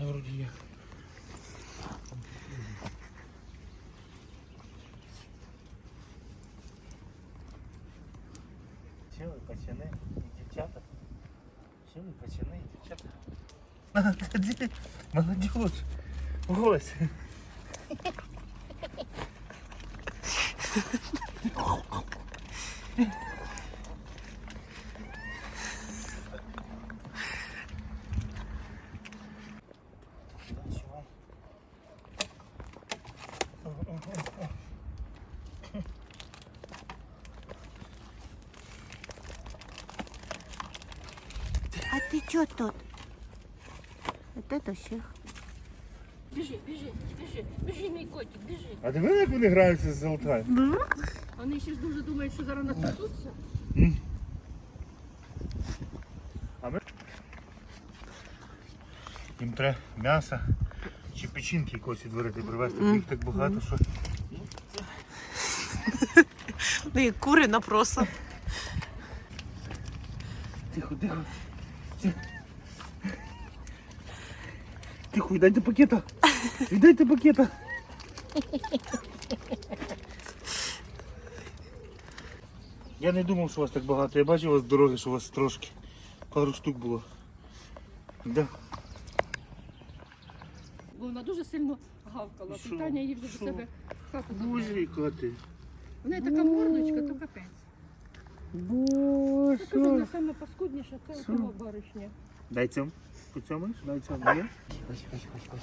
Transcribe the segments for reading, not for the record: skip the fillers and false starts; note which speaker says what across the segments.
Speaker 1: мене вроді є.
Speaker 2: Чи ви пацани і дівчата? Чи ви пацани і дівчата? Молодежь! Ось!
Speaker 3: А ты чё тут? Вот это всех.
Speaker 4: Біжи, біжи, біжи, біжи, мій котик, біжи.
Speaker 2: А диви, як вони граються з золотою?
Speaker 4: Вони ще ж дуже думають, що зараз насосуться.
Speaker 2: А ми? Їм треба м'ясо чи печінки якось відварити, привезти. Їх так багато, що...
Speaker 3: Ну и куры на проса.
Speaker 2: Тихо, тихо. Тихо, віддайте пакета. Віддайте пакета. Я не думав, що вас так багато. Я бачив у вас з дороги, що у вас трошки. Пару штук було. Да.
Speaker 4: Бо вона дуже сильно гавкала.
Speaker 2: Що?
Speaker 4: Питання її вже
Speaker 2: Що?
Speaker 4: до себе в хату забрала.
Speaker 2: Боже, яка ти.
Speaker 4: В неї така мордочка, то капець.
Speaker 2: Боже.
Speaker 4: Я кажу, вона саме паскудніша, це у того баришня.
Speaker 2: Дай цьому. Поцьомаєш? Дай цьому. Ні? Ось.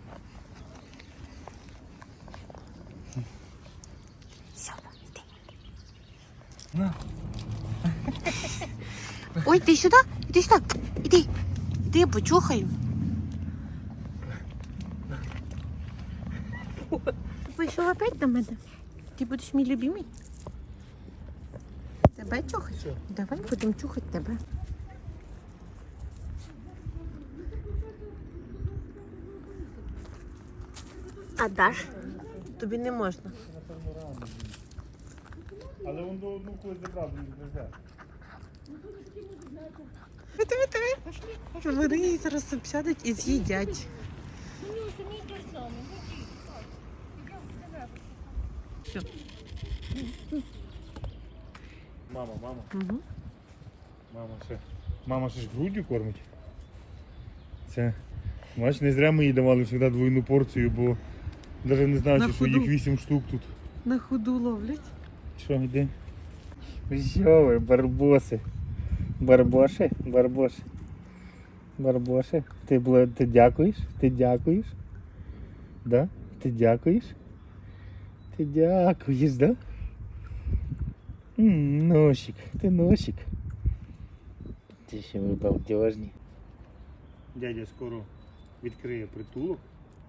Speaker 2: На.
Speaker 3: Ой, ты сюда? Иди сюда. Иди. Иди, почухаю. Пішов опять на мене? Ти будеш мій любимий? Тебе чухать? Давай будемо чухати тебе. А даш? Тобі не можна.
Speaker 2: Але він до одну когось забрав, він не взяв.
Speaker 3: Вони її зараз обсядуть і з'їдять. Все.
Speaker 2: Мама.
Speaker 3: Угу.
Speaker 2: Мама ще ж груддю кормить. Це, бач, не зря ми їй давали завжди двойну порцію, бо навіть не знаю,
Speaker 3: На
Speaker 2: чи що
Speaker 3: ходу.
Speaker 2: їх 8 штук тут.
Speaker 3: На ходу ловлять.
Speaker 2: Що, йде? Що ви, барбоси? Барбоши. Ти дякуєш? Ти дякуєш? Да? Ти дякуєш? Ти дякуєш, да? Носик, ти носик. Ти ще ви балдежні. Дядя скоро відкриє притулок.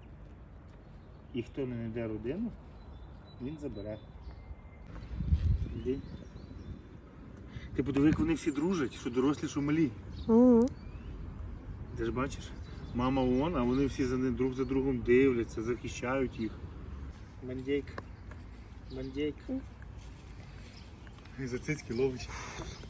Speaker 2: І хто не знайде родину, він забере. Іди. Ти подиви, як вони всі дружать, що дорослі, що малі.
Speaker 3: Угу.
Speaker 2: Ти ж бачиш? Мама вон, а вони всі друг за другом дивляться, захищають їх. Бандейка. І за цицьки ловить.